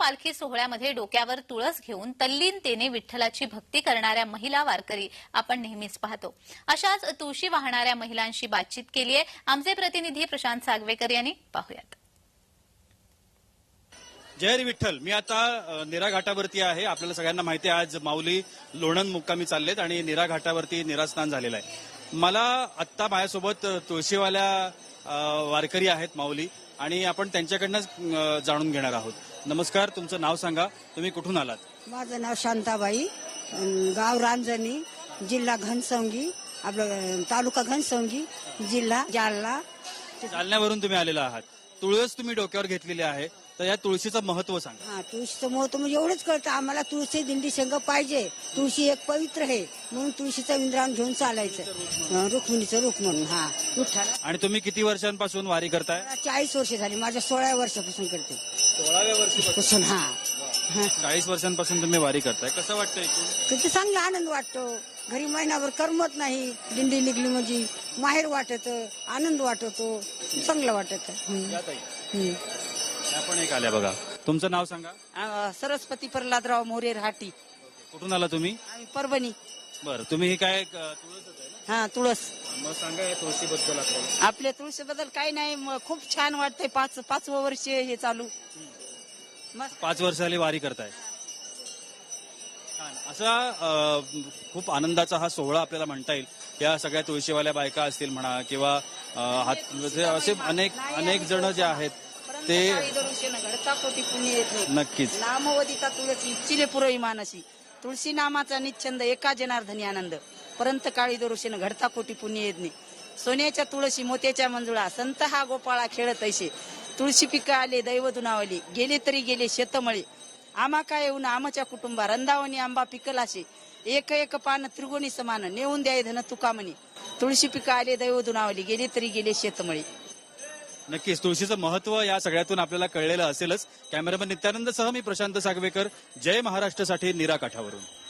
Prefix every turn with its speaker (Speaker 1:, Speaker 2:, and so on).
Speaker 1: पालखी सोहळ्यामध्ये डोक्यावर तुळस घेऊन तल्लीनतेने विठ्ठलाची भक्ती करणाऱ्या महिला वारकरी आपण नेहमीच पाहतो। अशाच तुळशी वाहणाऱ्या महिलांशी बातचीत केली आहे आमचे प्रतिनिधी प्रशांत सागवेकर यांनी। पाहूयात।
Speaker 2: जय हरी विठ्ठल। मी आता नीरा घाटावरती आहे। आपल्याला सगळ्यांना माहिती आहे आज माऊली लोणंद मुक्कामी चाललेत आणि नीरा घाटावरती नीरास्नान झालेलं आहे। मला आत्ता माझ्यासोबत तुळशीवाल्या वारकरी आहेत माऊली आणि आपण त्यांच्याकडनं जाणून घेणार आहोत। नमस्कार, तुमचं नाव सांगा, तुम्ही कुठून आलात?
Speaker 3: माझं नाव शांताबाई, गाव रांजणी, जिल्हा घनसंगी, आपलं तालुका घनसंगी, जिल्हा जालना।
Speaker 2: जालन्यावरून तुम्ही आलेला आहात। तुळस तुम्ही डोक्यावर घेतलेली आहे, तर या तुळशीचं महत्व सांगा।
Speaker 3: तुळशीचं महत्व म्हणजे एवढंच कळतं आम्हाला, तुळशी दिंडी संघ पाहिजे। तुळशी एक पवित्र आहे म्हणून तुळशीचं विंद्रान घेऊन चालायचं, रुक्मिणीचं रूप म्हणून। विठ्ठल।
Speaker 2: आणि तुम्ही किती वर्षांपासून वारी करताय?
Speaker 3: 40 वर्ष झाली, माझ्या 16व्या वर्षापासून करते।
Speaker 2: 16व्या वर्षापासून? 40 वर्षांपासून तुम्ही वारी करताय। कसं वाटतंय?
Speaker 3: किती चांगला आनंद वाटतो। घरी महिनाभर करमत नाही, दिंडी निघली म्हणजे माहेर वाटत, आनंद वाटतो, चांगलं वाटत।
Speaker 2: आपण एक आल्या बघा, तुमचं नाव सांगा।
Speaker 4: सरस्वती प्रल्हादराव मोरे राहाटी।
Speaker 2: कुठून आला तुम्ही?
Speaker 4: आम्ही परभणी।
Speaker 2: बरं, तुम्ही ही काय तुळसच आहे ना?
Speaker 4: तुळस।
Speaker 2: मग सांगा या तुळशीबद्दल आपल्याला।
Speaker 4: आपल्या तुळशीबद्दल काही नाही, खूप छान वाटतंय। 5वं वर्ष हे चालू। मस्त।
Speaker 2: 5 वर्ष झाली वारी करताय। छान असा खूप आनंदाचा हा सोहळा आपल्याला म्हणता येईल। या सगळ्या तुळशीवाल्या बायका असतील म्हणा किंवा असे अनेक जण जे आहेत ते
Speaker 4: घडता कोटी पुण्य येत नाही।
Speaker 2: नक्कीच।
Speaker 4: नामवदिता तुळसी इच्छिले पुरवी मानसी, तुळशी नामाचा निच्छंद एका जनार्दनी आनंद, परंत काळी दरुषेन घडता कोटी पुण्य येत नाही। सोन्याच्या तुळशी मोत्याच्या मंजुळा, संत हा गोपाळा खेळत ऐसे, तुळशी पिकं आले दैव दुनावली, गेले तरी गेले शेतमळे, आमा काय येऊन आमच्या कुटुंबा, रंदावणी आंबा पिकलाशे, एक एक पान त्रिगुणी समान, नेऊन द्याय धन तुकामणी, तुळशी पिकं आले दैव दुनावली, गेले तरी गेले शेतमळे।
Speaker 2: नक्कीच तुळशीचं महत्व या सगळ्यातून आपल्याला कळलेलं असेलच। कॅमेरामन नित्यानंद सह मी प्रशांत सागवेकर, जय महाराष्ट्रसाठी नीरा काठावरून।